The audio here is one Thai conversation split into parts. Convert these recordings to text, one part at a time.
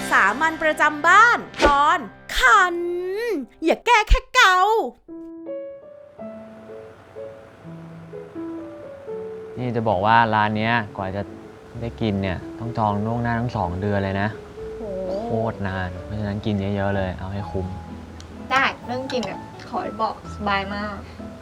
สามัญประจำบ้านตอนคันอย่าแก้แค่เกานี่จะบอกว่าร้านนี้กว่าจะได้กินเนี่ยต้องจองล่วงหน้าทั้ง2 เดือนเลยนะโคตรนานเพราะฉะนั้นกินเยอะๆเลยเอาให้คุ้มได้เรื่องกินเนี่ยขอบอกสบายมาก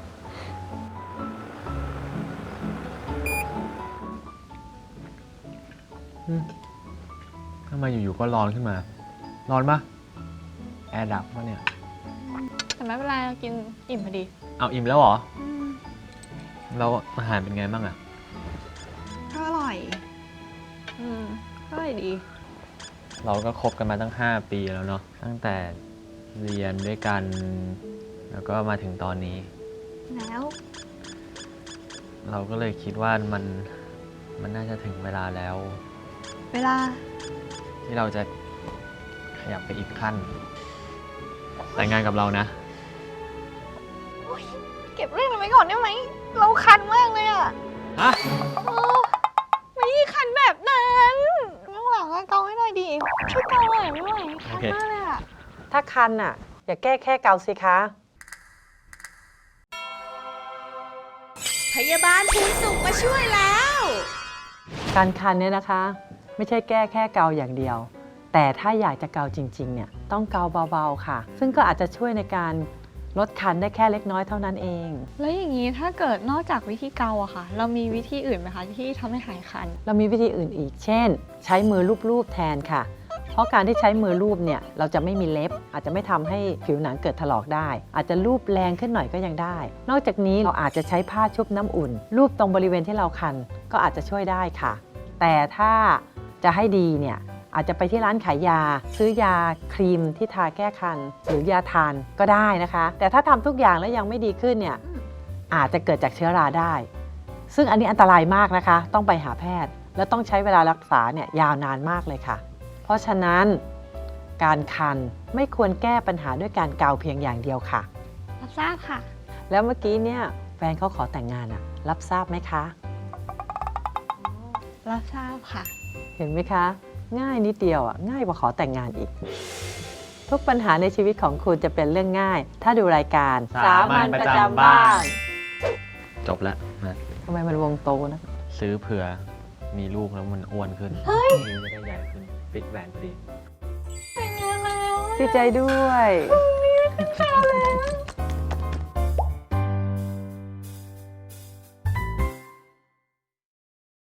ทำไมอยู่ๆก็ร้อนขึ้นมาร้อนปะแอร์ดับปะเนี่ยแต่ไม่เป็นไรเรากินอิ่มพอดีเอาอิ่มแล้วเหรอแล้วอาหารเป็นไงบ้างอะก็อร่อยอร่อยดีเราก็คบกันมาตั้ง5 ปีแล้วเนาะตั้งแต่เรียนด้วยกันแล้วก็มาถึงตอนนี้แล้วเราก็เลยคิดว่ามันน่าจะถึงเวลาแล้วเวลาที่เราจะขยับไปอีกขั้นแต่งงานกับเรานะเก็บเรื่องนั้นไว้ก่อนได้ไหมเราคันมากเลยอะฮะไม่คันแบบนั้นเรื่องหลังก็เกาให้หน่อยดิช่วยเกาหน่อยไม่ไหวคันมากเลยอะถ้าคันอ่ะอย่าแก้แค่เกาสิคะพยาบาลภูนสุขมาช่วยแล้วการคันเนี่ยนะคะไม่ใช่แก้แค่เกาอย่างเดียวแต่ถ้าอยากจะเกาจริงๆเนี่ยต้องเกาเบาๆค่ะซึ่งก็อาจจะช่วยในการลดคันได้แค่เล็กน้อยเท่านั้นเองแล้วอย่างนี้ถ้าเกิดนอกจากวิธีเกาอะค่ะเรามีวิธีอื่นไหมคะที่ทำให้หายคันเรามีวิธีอื่นอีกเช่นใช้มือลูบๆแทนค่ะเพราะการที่ใช้มือลูบเนี่ยเราจะไม่มีเล็บอาจจะไม่ทำให้ผิวหนังเกิดถลอกได้อาจจะลูบแรงขึ้นหน่อยก็ยังได้นอกจากนี้เราอาจจะใช้ผ้าชุบน้ำอุ่นลูบตรงบริเวณที่เราคันก็อาจจะช่วยได้ค่ะแต่ถ้าจะให้ดีเนี่ยอาจจะไปที่ร้านขายยาซื้อยาครีมที่ทาแก้คันหรือยาทานก็ได้นะคะแต่ถ้าทำทุกอย่างแล้วยังไม่ดีขึ้นเนี่ยอาจจะเกิดจากเชื้อราได้ซึ่งอันนี้อันตรายมากนะคะต้องไปหาแพทย์และต้องใช้เวลารักษาเนี่ยยาวนานมากเลยค่ะเพราะฉะนั้นการคันไม่ควรแก้ปัญหาด้วยการเกาเพียงอย่างเดียวค่ะรับทราบค่ะแล้วเมื่อกี้เนี่ยแฟนเขาขอแต่งงานอะรับทราบไหมคะรับทราบค่ะเห็นไหมคะง่ายนิดเดียวง่ายกว่าขอแต่งงานอีกทุกปัญหาในชีวิตของคุณจะเป็นเรื่องง่ายถ้าดูรายการสามัญประจำบ้านจบแล้วนะทำไมมันวงโตนะซื้อเผื่อมีลูกแล้วมันอ้วนขึ้นนิ้วจะได้ใหญ่ขึ้นปิดแหวนพอดีแต่งงานแล้วดีใจด้วย